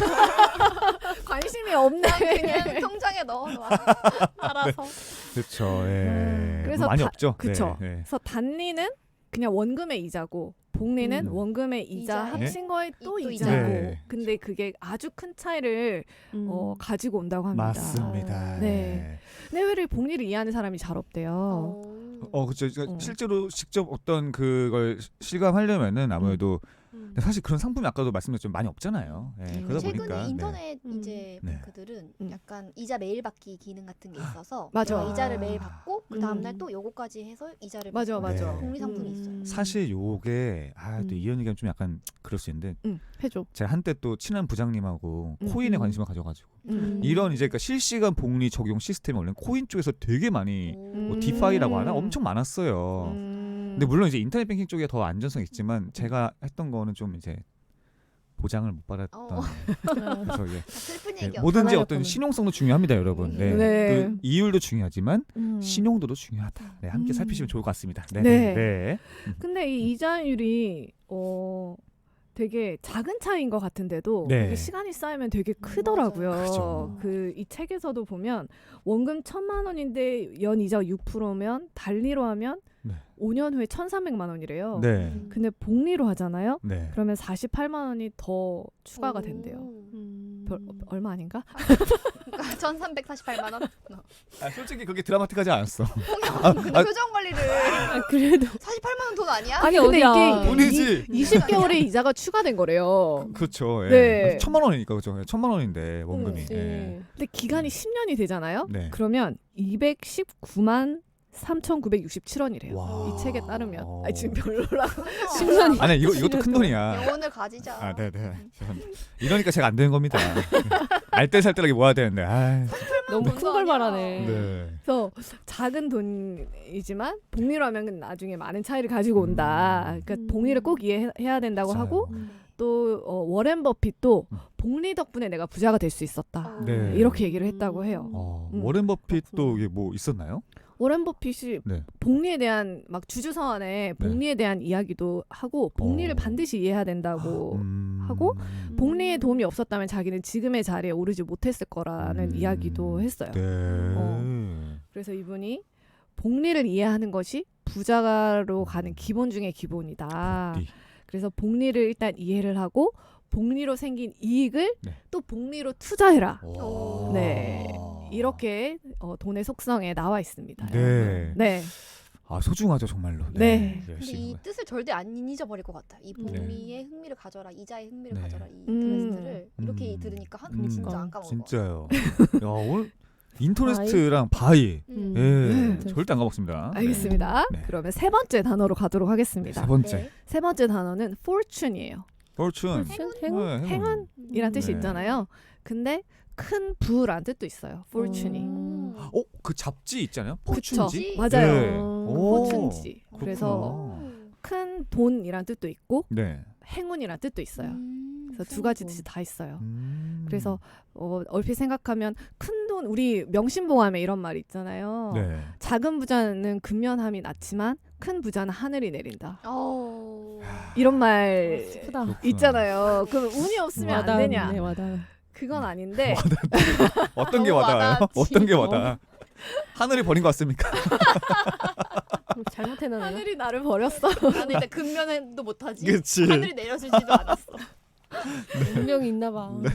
Speaker 4: 관심이 없네.
Speaker 3: 그냥 통장에 넣어놔. 알아서.
Speaker 1: 그렇죠. 예.
Speaker 4: 그래서
Speaker 1: 많이
Speaker 4: 다-
Speaker 1: 없죠.
Speaker 4: 그쵸.
Speaker 1: 네, 네.
Speaker 4: 그래서 단리는 그냥 원금의 이자고 복리는
Speaker 1: 음.
Speaker 4: 원금의 이자
Speaker 3: 이자에
Speaker 4: 합친 거에 또
Speaker 3: 이- 또
Speaker 4: 이자고.
Speaker 1: 네.
Speaker 4: 근데 그게 아주 큰 차이를
Speaker 2: 음.
Speaker 4: 어, 가지고 온다고 합니다.
Speaker 1: 맞습니다.
Speaker 4: 네. 근데 왜 복리를 이해하는 사람이 잘 없대요.
Speaker 3: 어.
Speaker 1: 어, 그렇죠. 그러니까
Speaker 4: 어.
Speaker 1: 실제로 직접 어떤 그걸 시- 실감하려면은 아무래도
Speaker 2: 음.
Speaker 1: 근데 사실 그런 상품이 아까도 말씀드렸지만 많이 없잖아요. 예,
Speaker 4: 음.
Speaker 1: 그러다
Speaker 3: 최근에
Speaker 1: 보니까 네.
Speaker 3: 인터넷
Speaker 2: 음.
Speaker 3: 이제
Speaker 1: 네.
Speaker 3: 뱅크들은
Speaker 4: 음.
Speaker 3: 약간 이자 매일 받기 기능 같은 게 있어서
Speaker 4: 맞아.
Speaker 3: 내가 이자를
Speaker 1: 아.
Speaker 3: 매일 받고 그 다음 날
Speaker 2: 음.
Speaker 3: 또 요거까지 해서 이자를
Speaker 4: 맞아,
Speaker 3: 받고
Speaker 4: 맞아.
Speaker 1: 네.
Speaker 3: 복리 상품이
Speaker 2: 음.
Speaker 3: 있어요.
Speaker 1: 사실 요게 아, 또
Speaker 4: 음.
Speaker 1: 이런 얘기하면 좀 약간 그럴 수 있는데
Speaker 4: 응, 해줘.
Speaker 1: 제가 한때 또 친한 부장님하고
Speaker 4: 음.
Speaker 1: 코인에
Speaker 2: 음.
Speaker 1: 관심을 가져가지고
Speaker 4: 음.
Speaker 1: 이런 이제 그러니까 실시간 복리 적용 시스템이 원래 코인 쪽에서 되게 많이 뭐
Speaker 4: 음.
Speaker 1: 디파이라고 하나 엄청 많았어요.
Speaker 4: 음.
Speaker 1: 근데 물론 이제 인터넷 뱅킹 쪽에 더 안전성이 있지만 제가 했던 거는 좀 이제 보장을 못 받았던
Speaker 3: 어.
Speaker 1: 그래서 이게
Speaker 3: 슬픈
Speaker 1: 네,
Speaker 3: 얘기야.
Speaker 1: 뭐든지
Speaker 2: 하나였구나.
Speaker 1: 어떤 신용성도 중요합니다, 여러분. 네.
Speaker 4: 네.
Speaker 1: 그 이율도 중요하지만
Speaker 2: 음.
Speaker 1: 신용도도 중요하다. 네, 함께
Speaker 4: 음.
Speaker 1: 살피시면 좋을 것 같습니다. 네.
Speaker 4: 네.
Speaker 1: 네.
Speaker 4: 근데 이 이자율이 어 되게 작은 차이인 것 같은데도
Speaker 1: 네.
Speaker 4: 이게 시간이 쌓이면 되게 크더라고요.
Speaker 1: 그죠.
Speaker 4: 그 이 책에서도 보면 원금 천만 원인데 연 이자 육 퍼센트면 달리로 하면
Speaker 1: 네.
Speaker 4: 오 년 후에 천삼백만 원이래요.
Speaker 1: 네.
Speaker 4: 근데 복리로 하잖아요.
Speaker 1: 네.
Speaker 4: 그러면 사십팔만 원이 더 추가가 된대요.
Speaker 2: 음.
Speaker 4: 별, 얼마 아닌가?
Speaker 3: 천삼백사십팔만 원.
Speaker 1: 아, 솔직히 그게 드라마틱하지 않았어.
Speaker 3: 홍영 근데
Speaker 1: 아,
Speaker 3: 표정 관리를
Speaker 2: 아, 그래도
Speaker 3: 사십팔만 원 돈 아니야?
Speaker 2: 아니,
Speaker 4: 근데
Speaker 2: 어디야.
Speaker 4: 이게
Speaker 1: 돈이지.
Speaker 4: 이십 개월의 이자가 추가된 거래요.
Speaker 1: 그렇죠. 예.
Speaker 4: 네.
Speaker 1: 천만 원이니까 그죠. 천만 원인데 원금이.
Speaker 2: 그렇지.
Speaker 1: 예.
Speaker 4: 근데 기간이 십 년이 되잖아요.
Speaker 1: 네.
Speaker 4: 그러면 이백십구만 삼천구백육십칠 원이래요.
Speaker 1: 와.
Speaker 4: 이 책에 따르면.
Speaker 1: 어.
Speaker 4: 아니 지금 별로라고.
Speaker 2: 십 년이.
Speaker 1: 아니 이거 이것도 큰 돈이야.
Speaker 3: 영혼을 가지자.
Speaker 1: 아, 네, 네. 이러니까 제가 안 되는 겁니다. 알뜰살뜰하게 모아야 되는데. 아,
Speaker 2: 너무 큰 걸 말하네.
Speaker 1: 네.
Speaker 4: 그래서 작은 돈이지만 복리로 하면 나중에 많은 차이를 가지고 온다. 그러니까
Speaker 2: 음.
Speaker 4: 복리를 꼭 이해해야 된다고
Speaker 1: 맞아요.
Speaker 4: 하고
Speaker 2: 음.
Speaker 4: 또 어, 워렌 버핏도
Speaker 1: 음.
Speaker 4: 복리 덕분에 내가 부자가 될 수 있었다.
Speaker 1: 네.
Speaker 4: 이렇게 얘기를 했다고 해요.
Speaker 1: 어,
Speaker 4: 음.
Speaker 1: 워렌 버핏도
Speaker 2: 그렇구나.
Speaker 1: 이게 뭐 있었나요?
Speaker 4: 워렌 버핏이
Speaker 1: 네.
Speaker 4: 복리에 대한 막 주주 서한에 복리에 대한 이야기도 하고 복리를
Speaker 1: 어.
Speaker 4: 반드시 이해해야 된다고
Speaker 1: 음.
Speaker 4: 하고 복리의 도움이 없었다면 자기는 지금의 자리에 오르지 못했을 거라는
Speaker 1: 음.
Speaker 4: 이야기도 했어요.
Speaker 1: 네.
Speaker 4: 어. 그래서 이분이 복리를 이해하는 것이 부자로 가는 기본 중의 기본이다.
Speaker 1: 복리.
Speaker 4: 그래서 복리를 일단 이해를 하고 복리로 생긴 이익을
Speaker 1: 네.
Speaker 4: 또 복리로 투자해라.
Speaker 1: 와.
Speaker 4: 네. 이렇게 어, 돈의 속성에 나와 있습니다.
Speaker 1: 네.
Speaker 4: 네.
Speaker 1: 아 소중하죠 정말로.
Speaker 4: 네.
Speaker 3: 근데
Speaker 1: 열심히
Speaker 3: 이 뜻을 절대 안 잊어버릴 것 같아. 이
Speaker 2: 네.
Speaker 3: 복리의 흥미를 가져라, 이자의 흥미를
Speaker 1: 네.
Speaker 3: 가져라. 이
Speaker 4: 음.
Speaker 3: 퀘스트를 이렇게
Speaker 1: 음.
Speaker 3: 들으니까 한
Speaker 1: 음.
Speaker 3: 진짜 안 까먹어.
Speaker 1: 진짜요. 야 오늘 인터레스트랑 바이.
Speaker 3: 음.
Speaker 1: 예.
Speaker 4: 네.
Speaker 1: 절대 안 가먹습니다.
Speaker 4: 알겠습니다.
Speaker 1: 네.
Speaker 4: 그러면 세 번째 단어로 가도록
Speaker 1: 네.
Speaker 4: 하겠습니다.
Speaker 1: 세 번째.
Speaker 3: 네.
Speaker 4: 세 번째 단어는 fortune이에요.
Speaker 1: fortune.
Speaker 2: 행운?
Speaker 1: 네,
Speaker 4: 행운? 이란 뜻이
Speaker 1: 네.
Speaker 4: 있잖아요. 근데 큰 부란 뜻도 있어요. fortune이.
Speaker 2: 음.
Speaker 1: 어, 그 잡지 있잖아요.
Speaker 4: 그쵸.
Speaker 1: 포춘지.
Speaker 4: 맞아요.
Speaker 1: 네. 오,
Speaker 4: fortune지.
Speaker 1: 그렇구나.
Speaker 4: 그래서 큰 돈이란 뜻도 있고
Speaker 1: 네.
Speaker 4: 행운이란 뜻도 있어요.
Speaker 3: 음,
Speaker 4: 그래서 두 가지 뜻이 다 있어요.
Speaker 1: 음.
Speaker 4: 그래서 어, 얼핏 생각하면 큰 돈, 우리 명심보감에 이런 말 있잖아요.
Speaker 1: 네.
Speaker 4: 작은 부자는 근면함이 낮지만 큰 부자는 하늘이 내린다.
Speaker 3: 어.
Speaker 4: 이런 말
Speaker 2: 슬프다.
Speaker 1: 그렇구나.
Speaker 4: 있잖아요. 그럼 운이 없으면 안
Speaker 2: 와닿네,
Speaker 4: 되냐?
Speaker 2: 와닿아.
Speaker 4: 그건 아닌데
Speaker 1: 어떤 게
Speaker 3: 너무
Speaker 1: 와닿아요?
Speaker 3: 와닿지.
Speaker 1: 어떤 게 와닿아? 하늘이 버린 것 같습니까?
Speaker 2: 잘못해놨나?
Speaker 4: 하늘이 나를 버렸어.
Speaker 3: 나는 일단 근면도 못하지.
Speaker 1: 그치.
Speaker 3: 하늘이 내려주지도 않았어.
Speaker 2: 운명이 있나 봐.
Speaker 1: 네.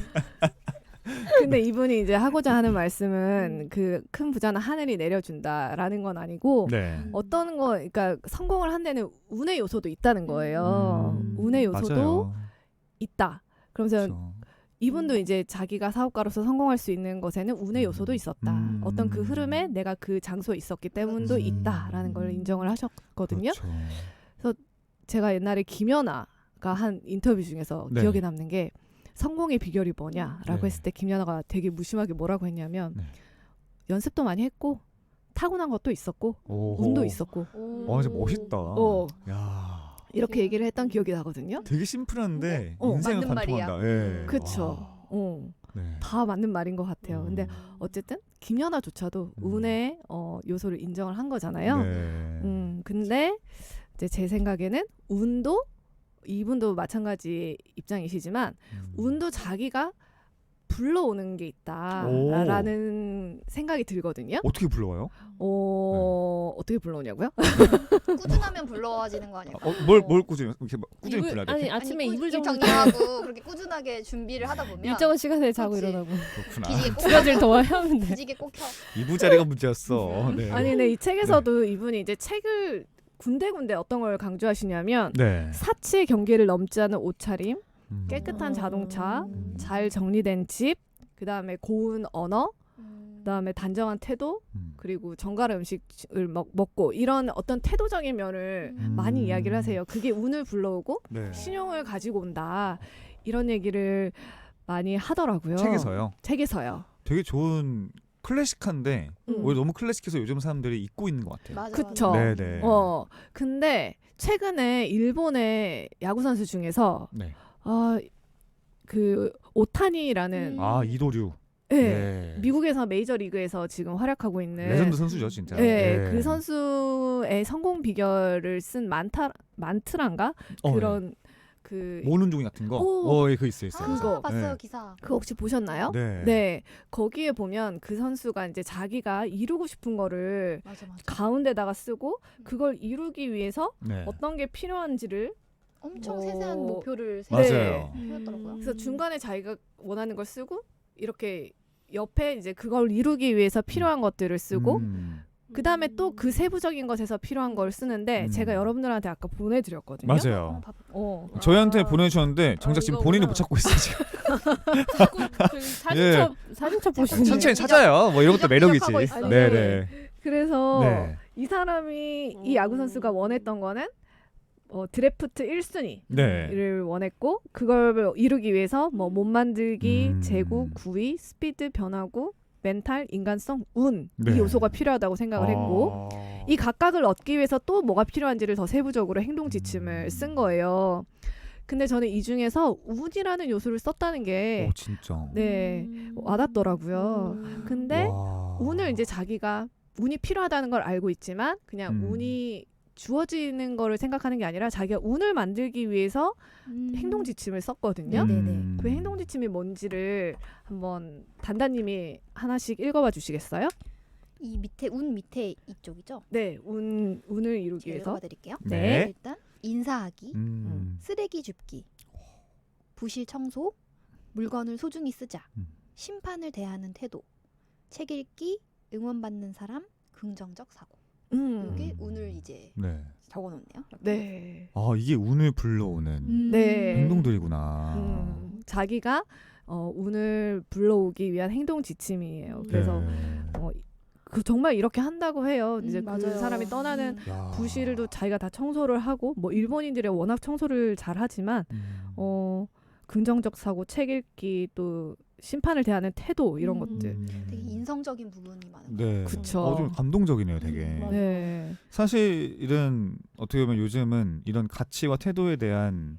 Speaker 4: 근데 이분이 이제 하고자 하는 말씀은 그 큰 부자는 하늘이 내려준다라는 건 아니고
Speaker 1: 네.
Speaker 4: 어떤 거, 그러니까 성공을 한 데는 운의 요소도 있다는 거예요.
Speaker 1: 음,
Speaker 4: 운의 요소도
Speaker 1: 맞아요.
Speaker 4: 있다. 그러면서
Speaker 1: 그렇죠.
Speaker 4: 이분도 이제 자기가 사업가로서 성공할 수 있는 것에는 운의 요소도 있었다.
Speaker 1: 음.
Speaker 4: 어떤 그 흐름에 내가 그 장소에 있었기 때문도
Speaker 1: 음.
Speaker 4: 있다라는 걸 인정을 하셨거든요.
Speaker 1: 그렇죠.
Speaker 4: 제가 옛날에 김연아가 한 인터뷰 중에서
Speaker 1: 네.
Speaker 4: 기억에 남는 게 성공의 비결이 뭐냐라고
Speaker 1: 네.
Speaker 4: 했을 때 김연아가 되게 무심하게 뭐라고 했냐면
Speaker 1: 네.
Speaker 4: 연습도 많이 했고 타고난 것도 있었고
Speaker 1: 오호.
Speaker 4: 운도 있었고
Speaker 1: 와, 진짜 멋있다.
Speaker 4: 어.
Speaker 1: 야,
Speaker 4: 이렇게 얘기를 했던 기억이 나거든요.
Speaker 1: 되게 심플한데
Speaker 4: 어,
Speaker 1: 인생을
Speaker 3: 맞는 말이야.
Speaker 1: 관통한다. 예.
Speaker 4: 그쵸.
Speaker 1: 와.
Speaker 4: 어,
Speaker 1: 네.
Speaker 4: 다 맞는 말인 것 같아요.
Speaker 1: 음.
Speaker 4: 근데 어쨌든 김연아조차도
Speaker 1: 음.
Speaker 4: 운의 어, 요소를 인정을 한 거잖아요.
Speaker 1: 네.
Speaker 4: 음, 근데 이제 제 생각에는 운도 이분도 마찬가지 입장이시지만
Speaker 1: 음.
Speaker 4: 운도 자기가 불러오는 게 있다라는 생각이 들거든요.
Speaker 1: 어떻게 불러와요?
Speaker 4: 어,
Speaker 1: 네.
Speaker 4: 어떻게 불러오냐고요?
Speaker 3: 꾸준하면 불러와지는 거 아니야?
Speaker 1: 어, 뭘, 뭘 꾸준히 이렇게 막 꾸준히
Speaker 2: 이불-
Speaker 1: 불러야 돼?
Speaker 2: 아니 아침에
Speaker 3: 꾸-
Speaker 2: 이불
Speaker 3: 일
Speaker 2: 정도
Speaker 3: 정리하고 그렇게 꾸준하게 준비를 하다 보면
Speaker 2: 일정한 시간에 자고
Speaker 3: 그렇지.
Speaker 2: 일어나고
Speaker 1: 그렇구나.
Speaker 3: 기지개 꼭
Speaker 2: 두 가지를 더 하면 돼.
Speaker 3: 기지개 꼭 켜.
Speaker 1: 이부자리가 문제였어. 네.
Speaker 4: 아니 근데 이 책에서도 이분이 이제 책을 군데군데 어떤 걸 강조하시냐면
Speaker 1: 네.
Speaker 4: 사치의 경계를 넘지 않은 옷차림,
Speaker 1: 음.
Speaker 4: 깨끗한 자동차,
Speaker 1: 음.
Speaker 4: 잘 정리된 집, 그 다음에 고운 언어,
Speaker 3: 음.
Speaker 4: 그 다음에 단정한 태도,
Speaker 1: 음.
Speaker 4: 그리고 정갈한 음식을 먹, 먹고 이런 어떤 태도적인 면을
Speaker 3: 음.
Speaker 4: 많이 이야기를 하세요. 그게 운을 불러오고
Speaker 1: 네.
Speaker 4: 신용을 가지고 온다. 이런 얘기를 많이 하더라고요.
Speaker 1: 책에서요.
Speaker 4: 책에서요.
Speaker 1: 되게 좋은 클래식한데
Speaker 4: 음.
Speaker 1: 오히려 너무 클래식해서 요즘 사람들이 잊고 있는 것 같아요.
Speaker 3: 맞아,
Speaker 4: 그쵸.
Speaker 3: 맞아.
Speaker 1: 네네.
Speaker 4: 어, 근데 최근에 일본의 야구 선수 중에서
Speaker 1: 네.
Speaker 4: 아, 그 오타니라는
Speaker 3: 음.
Speaker 1: 아 이도류.
Speaker 4: 네,
Speaker 1: 네.
Speaker 4: 미국에서 메이저 리그에서 지금 활약하고 있는
Speaker 1: 레전드 선수죠 진짜.
Speaker 4: 네,
Speaker 1: 네.
Speaker 4: 그 선수의 성공 비결을 쓴 만타 만트란가
Speaker 1: 어,
Speaker 4: 그런
Speaker 1: 네.
Speaker 4: 그
Speaker 1: 모는 종이 같은 거.
Speaker 4: 오.
Speaker 1: 어, 예, 그 있어요, 있어요.
Speaker 3: 아,
Speaker 4: 그거.
Speaker 3: 봤어요
Speaker 1: 네.
Speaker 3: 기사.
Speaker 4: 그거 혹시 보셨나요?
Speaker 1: 네.
Speaker 4: 네, 거기에 보면 그 선수가 이제 자기가 이루고 싶은 거를
Speaker 3: 맞아 맞아.
Speaker 4: 가운데다가 쓰고 그걸 이루기 위해서
Speaker 1: 네.
Speaker 4: 어떤 게 필요한지를
Speaker 3: 엄청
Speaker 4: 어,
Speaker 3: 세세한 목표를
Speaker 1: 맞아요.
Speaker 3: 세우고
Speaker 2: 음.
Speaker 3: 세웠더라고요.
Speaker 4: 그래서 중간에 자기가 원하는 걸 쓰고 이렇게 옆에 이제 그걸 이루기 위해서 필요한 것들을 쓰고
Speaker 1: 음.
Speaker 4: 그 다음에 또 그 세부적인 것에서 필요한 걸 쓰는데
Speaker 1: 음.
Speaker 4: 제가 여러분들한테 아까 보내드렸거든요.
Speaker 1: 맞아요.
Speaker 3: 한번 봐볼게요.
Speaker 4: 어.
Speaker 1: 저희한테
Speaker 2: 아.
Speaker 1: 보내주셨는데 정작
Speaker 2: 아,
Speaker 1: 지금
Speaker 2: 이거구나.
Speaker 1: 본인이 못 찾고 있어요 지금.
Speaker 2: 자꾸 저기 사진첩 사진첩 보시는
Speaker 1: 천천히 찾아요. 뭐 이런 것도 매력이지.
Speaker 3: 이적하고 있어요.
Speaker 1: 네네.
Speaker 4: 그래서
Speaker 1: 네.
Speaker 4: 이 사람이 이
Speaker 2: 음.
Speaker 4: 야구 선수가 원했던 거는 어, 드래프트 일 순위를
Speaker 1: 네.
Speaker 4: 원했고 그걸 이루기 위해서 뭐 몸 만들기,
Speaker 1: 음.
Speaker 4: 제구, 구위, 스피드, 변화구, 멘탈, 인간성, 운 이
Speaker 1: 네.
Speaker 4: 요소가 필요하다고 생각을 했고
Speaker 1: 아.
Speaker 4: 이 각각을 얻기 위해서 또 뭐가 필요한지를 더 세부적으로 행동 지침을
Speaker 1: 음.
Speaker 4: 쓴 거예요. 근데 저는 이 중에서 운이라는 요소를 썼다는 게
Speaker 1: 오 진짜.
Speaker 4: 네, 와닿더라고요.
Speaker 2: 음.
Speaker 4: 근데
Speaker 1: 와.
Speaker 4: 운을 이제 자기가 운이 필요하다는 걸 알고 있지만 그냥
Speaker 1: 음.
Speaker 4: 운이 주어지는 거를 생각하는 게 아니라 자기가 운을 만들기 위해서
Speaker 3: 음.
Speaker 4: 행동 지침을 썼거든요.
Speaker 3: 네네네.
Speaker 1: 음.
Speaker 4: 그 행동 지침이 뭔지를 한번 단단님이 하나씩 읽어봐 주시겠어요?
Speaker 3: 이 밑에 운 밑에 이쪽이죠.
Speaker 4: 네, 운 운을 이루기
Speaker 3: 제가
Speaker 4: 위해서.
Speaker 3: 읽어봐 드릴게요.
Speaker 1: 네.
Speaker 3: 일단 인사하기,
Speaker 1: 음.
Speaker 3: 쓰레기 줍기, 부실 청소, 물건을 소중히 쓰자,
Speaker 1: 음.
Speaker 3: 심판을 대하는 태도, 책 읽기, 응원받는 사람, 긍정적 사고.
Speaker 4: 음.
Speaker 3: 이게 운을 이제
Speaker 1: 네.
Speaker 3: 적어놓네요.
Speaker 4: 네.
Speaker 1: 아 이게 운을 불러오는
Speaker 3: 음.
Speaker 4: 네.
Speaker 1: 행동들이구나.
Speaker 4: 음, 자기가 어, 운을 불러오기 위한 행동 지침이에요. 그래서
Speaker 1: 네.
Speaker 4: 어, 그 정말 이렇게 한다고 해요. 이제
Speaker 3: 음,
Speaker 4: 그
Speaker 3: 맞아요.
Speaker 4: 사람이 떠나는
Speaker 3: 음.
Speaker 1: 야.
Speaker 4: 부실도 자기가 다 청소를 하고 뭐 일본인들이 워낙 청소를 잘 하지만
Speaker 1: 음.
Speaker 4: 어 긍정적 사고, 책 읽기 또 심판을 대하는 태도 이런
Speaker 3: 음.
Speaker 4: 것들.
Speaker 1: 음.
Speaker 3: 되게 인성적인 부분이 많은 것
Speaker 1: 네.
Speaker 4: 그쵸.
Speaker 1: 어, 좀 감동적이네요, 되게.
Speaker 3: 음, 맞아요.
Speaker 4: 네.
Speaker 1: 사실 이런 어떻게 보면 요즘은 이런 가치와 태도에 대한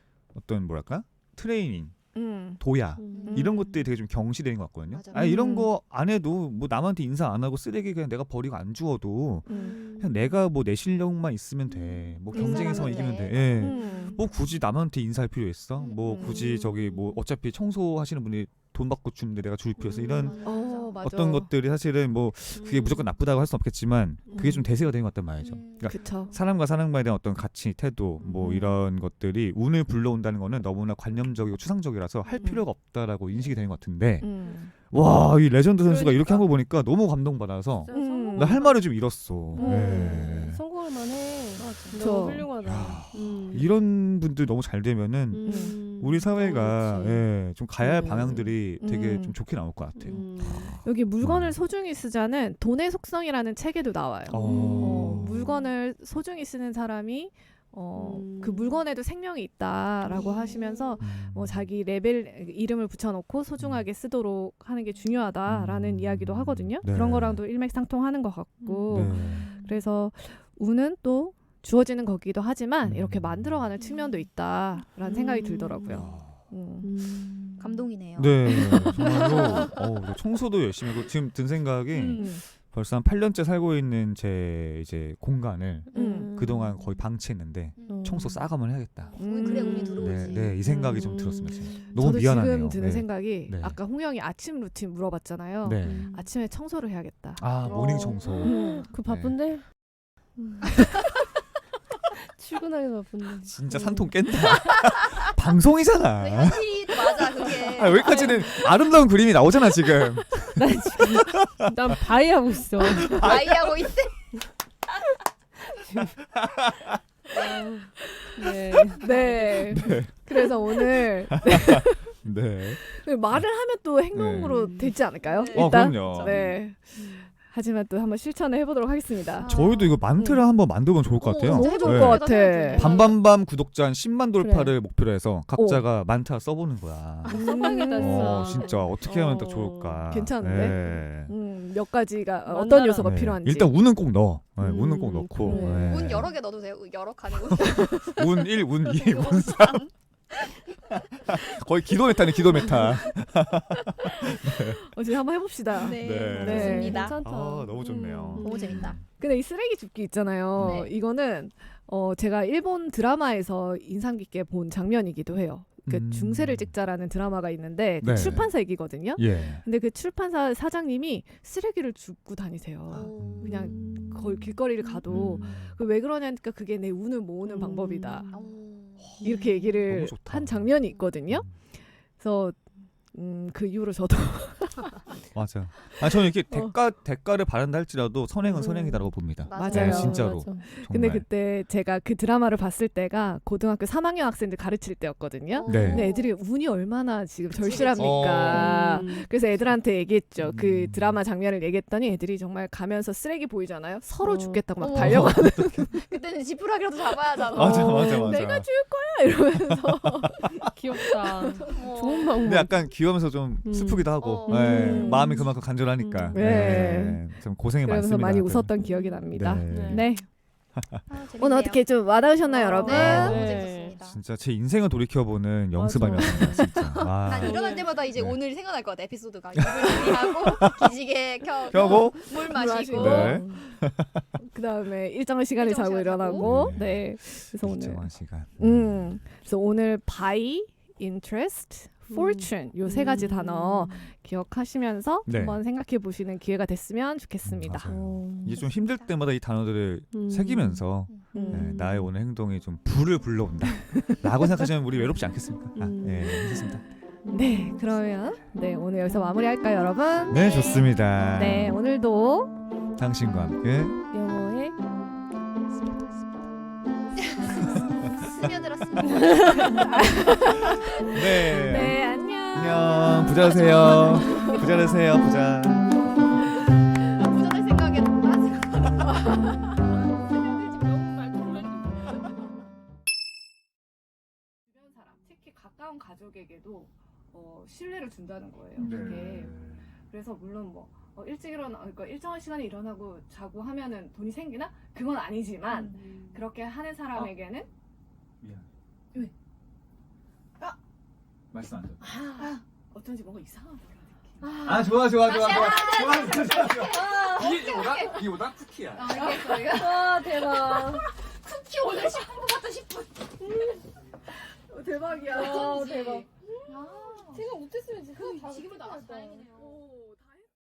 Speaker 1: 어떤 뭐랄까 트레이닝,
Speaker 4: 음.
Speaker 1: 도야
Speaker 2: 음.
Speaker 1: 이런 것들이 되게 좀 경시되는 것 같거든요.
Speaker 3: 맞아.
Speaker 1: 아 이런
Speaker 4: 음.
Speaker 1: 거 안 해도 뭐 남한테 인사 안 하고 쓰레기 그냥 내가 버리고 안 주워도
Speaker 4: 음.
Speaker 1: 그냥 내가 뭐 내 실력만 있으면 돼. 뭐
Speaker 3: 음.
Speaker 1: 경쟁에서만
Speaker 3: 인사하면
Speaker 1: 이기면 돼.
Speaker 3: 돼.
Speaker 1: 예.
Speaker 4: 음.
Speaker 1: 뭐 굳이 남한테 인사할 필요 있어?
Speaker 3: 음.
Speaker 1: 뭐
Speaker 4: 음.
Speaker 1: 굳이 저기 뭐 어차피 청소하시는 분이 돈 받고 주는데 내가 줄 필요 있어? 이런
Speaker 3: 맞아,
Speaker 4: 어,
Speaker 3: 맞아.
Speaker 4: 맞아.
Speaker 1: 어떤 것들이 사실은 뭐 그게 무조건 나쁘다고 할 수는 없겠지만 그게 좀
Speaker 2: 음.
Speaker 1: 대세가 되는 것 같단 말이죠.
Speaker 3: 음.
Speaker 1: 그러니까
Speaker 4: 그쵸.
Speaker 1: 사람과 사람과에 대한 어떤 가치, 태도 뭐
Speaker 4: 음.
Speaker 1: 이런 것들이 운을 불러온다는 거는 너무나 관념적이고 추상적이라서 할
Speaker 4: 음.
Speaker 1: 필요가 없다라고 인식이 되는 것 같은데
Speaker 4: 음.
Speaker 1: 와, 이 레전드 선수가 이렇게
Speaker 2: 그러니까.
Speaker 1: 한 거 보니까 너무 감동받아서
Speaker 4: 음.
Speaker 1: 나 할 말을 좀 잃었어.
Speaker 4: 음.
Speaker 1: 네.
Speaker 2: 성공할 만해.
Speaker 4: 그쵸.
Speaker 2: 너무 훌륭하다.
Speaker 1: 야,
Speaker 2: 음.
Speaker 1: 이런 분들 너무 잘 되면은
Speaker 2: 음.
Speaker 1: 우리 사회가
Speaker 2: 어, 그렇지.
Speaker 1: 예, 좀 가야 할
Speaker 2: 음.
Speaker 1: 방향들이 되게
Speaker 4: 음.
Speaker 1: 좀 좋게 나올 것 같아요.
Speaker 2: 음.
Speaker 4: 여기 물건을
Speaker 1: 음.
Speaker 4: 소중히 쓰자는 돈의 속성이라는 책에도 나와요.
Speaker 1: 어.
Speaker 4: 어, 물건을 소중히 쓰는 사람이 어,
Speaker 2: 음.
Speaker 4: 그 물건에도 생명이 있다라고
Speaker 3: 음.
Speaker 4: 하시면서
Speaker 1: 음.
Speaker 4: 뭐 자기 레벨 이름을 붙여놓고 소중하게 쓰도록 하는 게 중요하다라는
Speaker 1: 음.
Speaker 4: 이야기도 하거든요.
Speaker 1: 네.
Speaker 4: 그런 거랑도 일맥상통하는 것 같고
Speaker 1: 네.
Speaker 4: 그래서 운은 또 주어지는 거기도 하지만
Speaker 1: 음.
Speaker 4: 이렇게 만들어가는 측면도 있다라는 생각이
Speaker 2: 음.
Speaker 4: 들더라고요.
Speaker 1: 야.
Speaker 4: 음.
Speaker 2: 음.
Speaker 3: 감동이네요.
Speaker 1: 네, 정말로 어, 청소도 열심히 하고 지금 든 생각이
Speaker 4: 음.
Speaker 1: 벌써 한 팔 년째 살고 있는 제 이제 공간을
Speaker 4: 음.
Speaker 1: 그동안 거의 방치했는데
Speaker 3: 음.
Speaker 1: 청소 싸가면 해야겠다.
Speaker 3: 운, 그래 운이
Speaker 4: 음.
Speaker 3: 들어오지.
Speaker 1: 네, 네, 이 생각이 좀
Speaker 2: 음.
Speaker 1: 들었습니다. 지금. 너무
Speaker 4: 저도
Speaker 1: 미안하네요.
Speaker 4: 지금 드는
Speaker 1: 네.
Speaker 4: 생각이
Speaker 1: 네.
Speaker 4: 아까 홍영이 아침 루틴 물어봤잖아요.
Speaker 1: 네.
Speaker 2: 음.
Speaker 4: 아침에 청소를 해야겠다.
Speaker 1: 아 모닝
Speaker 3: 어.
Speaker 1: 청소.
Speaker 4: 음.
Speaker 2: 그 바쁜데? 음. 출근하기 바쁜데.
Speaker 1: 진짜
Speaker 2: 음.
Speaker 1: 산통 깬다.
Speaker 3: 그
Speaker 1: 방송이잖아.
Speaker 3: 현실이 맞아 그게.
Speaker 1: 아, 여기까지는 아름다운 그림이 나오잖아 지금.
Speaker 2: 난 지금 난 바이 하고 있어.
Speaker 3: 아이하고 있대.
Speaker 2: 네.
Speaker 4: 네. 그래서 오늘
Speaker 1: 네.
Speaker 4: 말을 하면 또 행동으로
Speaker 2: 네.
Speaker 4: 되지 않을까요?
Speaker 3: 네.
Speaker 1: 어,
Speaker 4: 일단
Speaker 1: 그럼요.
Speaker 4: 네. 하지만 또 한번 실천을 해보도록 하겠습니다.
Speaker 3: 아.
Speaker 1: 저희도 이거 만트를 한번 만들면 좋을 것
Speaker 3: 오,
Speaker 1: 같아요.
Speaker 4: 너무 좋을
Speaker 1: 네.
Speaker 4: 것 같아.
Speaker 1: 밤밤밤 구독자 한 십만 돌파를 목표로 해서 각자가
Speaker 4: 어.
Speaker 1: 만타 써보는 거야.
Speaker 2: 써봐야겠다
Speaker 1: 어,
Speaker 2: 진짜.
Speaker 1: 진짜 어떻게 하면 딱
Speaker 2: 어.
Speaker 1: 좋을까.
Speaker 4: 괜찮은데?
Speaker 1: 네.
Speaker 4: 음, 몇 가지가
Speaker 2: 만나라.
Speaker 4: 어떤 요소가
Speaker 1: 네.
Speaker 4: 필요한지.
Speaker 1: 일단 운은 꼭 넣어. 네,
Speaker 2: 음,
Speaker 1: 운은 꼭 넣고.
Speaker 2: 그래.
Speaker 1: 네.
Speaker 3: 운 여러 개 넣어도 돼요. 여러 칸에 운.
Speaker 1: 운 일, 운 이, 운 삼. 거의 기도 메타네, 기도 메타.
Speaker 4: 어, 이제 한번 해봅시다.
Speaker 3: 네,
Speaker 1: 네.
Speaker 4: 네.
Speaker 3: 좋습니다.
Speaker 2: 괜찮다.
Speaker 1: 아, 너무 좋네요.
Speaker 2: 음.
Speaker 3: 너무 재밌다.
Speaker 4: 근데 이 쓰레기 줍기 있잖아요.
Speaker 3: 네.
Speaker 4: 이거는 어, 제가 일본 드라마에서 인상 깊게 본 장면이기도 해요. 그
Speaker 1: 음.
Speaker 4: 중세를 찍자라는 드라마가 있는데 그
Speaker 1: 네.
Speaker 4: 출판사 얘기거든요.
Speaker 1: 예.
Speaker 4: 근데 그 출판사 사장님이 쓰레기를 줍고 다니세요.
Speaker 3: 오.
Speaker 4: 그냥
Speaker 2: 음.
Speaker 4: 거의 길거리를 가도
Speaker 1: 음.
Speaker 4: 그 왜 그러냐니까 그게 내 운을 모으는
Speaker 2: 음.
Speaker 4: 방법이다.
Speaker 3: 오.
Speaker 4: 이렇게 얘기를
Speaker 1: 너무 좋다.
Speaker 4: 한 장면이 있거든요. 그래서 음, 그 이후로 저도
Speaker 1: 맞아. 아 저는 이렇게
Speaker 4: 어.
Speaker 1: 대가 대가를 바란다 할지라도 선행은
Speaker 2: 음.
Speaker 1: 선행이다라고 봅니다.
Speaker 3: 맞아요.
Speaker 1: 네, 진짜로.
Speaker 2: 맞아.
Speaker 1: 정말.
Speaker 4: 근데 그때 제가 그 드라마를 봤을 때가 고등학교 삼 학년 학생들 가르칠 때였거든요.
Speaker 1: 네.
Speaker 4: 근데 애들이 운이 얼마나 지금
Speaker 3: 그치, 그치.
Speaker 4: 절실합니까?
Speaker 2: 음.
Speaker 4: 그래서 애들한테 얘기했죠. 그
Speaker 1: 음.
Speaker 4: 드라마 장면을 얘기했더니 애들이 정말 가면서 쓰레기 보이잖아요. 서로
Speaker 2: 어.
Speaker 4: 죽겠다고 막
Speaker 3: 어머.
Speaker 4: 달려가는
Speaker 3: 그때는 지푸라기라도 잡아야 하잖아.
Speaker 1: 맞아, 맞아, 맞아.
Speaker 4: 내가 줄 거야 이러면서
Speaker 2: 귀엽다.
Speaker 3: 어.
Speaker 2: 좋은 방법.
Speaker 1: 근데 약간 귀여우면서 좀
Speaker 2: 음.
Speaker 1: 슬프기도 하고,
Speaker 3: 어.
Speaker 1: 네,
Speaker 4: 음.
Speaker 1: 마음이 그만큼 간절하니까,
Speaker 2: 음.
Speaker 1: 네.
Speaker 4: 네.
Speaker 1: 좀 고생이
Speaker 4: 그러면서
Speaker 1: 많습니다.
Speaker 4: 많이
Speaker 1: 다들.
Speaker 4: 웃었던 기억이 납니다.
Speaker 1: 네.
Speaker 4: 네.
Speaker 3: 아, 재밌네요.
Speaker 4: 오늘 어떻게 좀 와닿으셨나요,
Speaker 3: 어,
Speaker 4: 여러분?
Speaker 3: 네, 너무
Speaker 2: 네.
Speaker 3: 재밌었습니다.
Speaker 1: 진짜 제 인생을 돌이켜보는 영수밤이었어요, 진짜. 와.
Speaker 3: 난 일어날 때마다 이제
Speaker 1: 네.
Speaker 3: 오늘 생각날 것 같아. 에피소드가 이불 준비하고 기지개 켜,
Speaker 1: 펴고,
Speaker 3: 물
Speaker 4: 마시고.
Speaker 3: 마시고.
Speaker 1: 네.
Speaker 4: 그 다음에 일정한 시간에
Speaker 3: 일정
Speaker 4: 자고
Speaker 3: 시간에
Speaker 4: 일어나고,
Speaker 1: 자고.
Speaker 4: 네. 그래서 오늘,
Speaker 1: 일정한 시간.
Speaker 4: 음, 그래서 오늘 buy, interest, fortune 요 세 가지
Speaker 2: 음.
Speaker 4: 단어 기억하시면서
Speaker 1: 네.
Speaker 4: 한번 생각해 보시는 기회가 됐으면 좋겠습니다.
Speaker 1: 맞아요.
Speaker 2: 어.
Speaker 1: 이게 좀 힘들 때마다 이 단어들을
Speaker 2: 음.
Speaker 1: 새기면서 네,
Speaker 4: 음.
Speaker 1: 나의 오늘 행동이 좀 불을 불러온다 라고 생각하시면 우리 외롭지 않겠습니까? 아,
Speaker 2: 음.
Speaker 1: 네, 괜찮습니다.
Speaker 4: 네, 그러면 네 오늘 여기서 마무리할까요, 여러분?
Speaker 1: 네, 좋습니다.
Speaker 4: 네, 오늘도
Speaker 1: 당신과 함께
Speaker 2: 영어의
Speaker 3: 스며들었습니다.
Speaker 1: 네,
Speaker 4: 네, 안녕.
Speaker 1: 안녕. 부자 되세요. 부자 되세요. 부자.
Speaker 3: 부자 될 생각에 빠지고.
Speaker 4: 주변 사람, 특히 가까운 가족에게도 어, 신뢰를 준다는 거예요.
Speaker 1: 네.
Speaker 4: 그게. 그래서 물론 뭐 어, 일찍 일어나, 그러니까 일정한 시간에 일어나고 자고 하면은 돈이 생기나? 그건 아니지만
Speaker 2: 음.
Speaker 4: 그렇게 하는 사람에게는
Speaker 1: 미안.
Speaker 4: 왜?
Speaker 1: 아, 말씀 안 돼.
Speaker 4: 아, 어쩐지 뭔가 이상한 그런 느낌.
Speaker 1: 아, 좋아, 좋아, 좋아, 좋아, 좋아, 좋아, 좋아. 이게 오다, 이게 오다 쿠키야.
Speaker 3: 알겠어. 이거
Speaker 2: 와 대박.
Speaker 3: 쿠키 오늘 십 분 같다 십 분.
Speaker 4: 어, 대박이야.
Speaker 2: 와 대박.
Speaker 3: 아,
Speaker 2: 생각 못했으면 진짜
Speaker 3: 그
Speaker 2: 다
Speaker 3: 지금은 나가서
Speaker 2: 끝났다.
Speaker 3: 다행이네요.
Speaker 4: 오.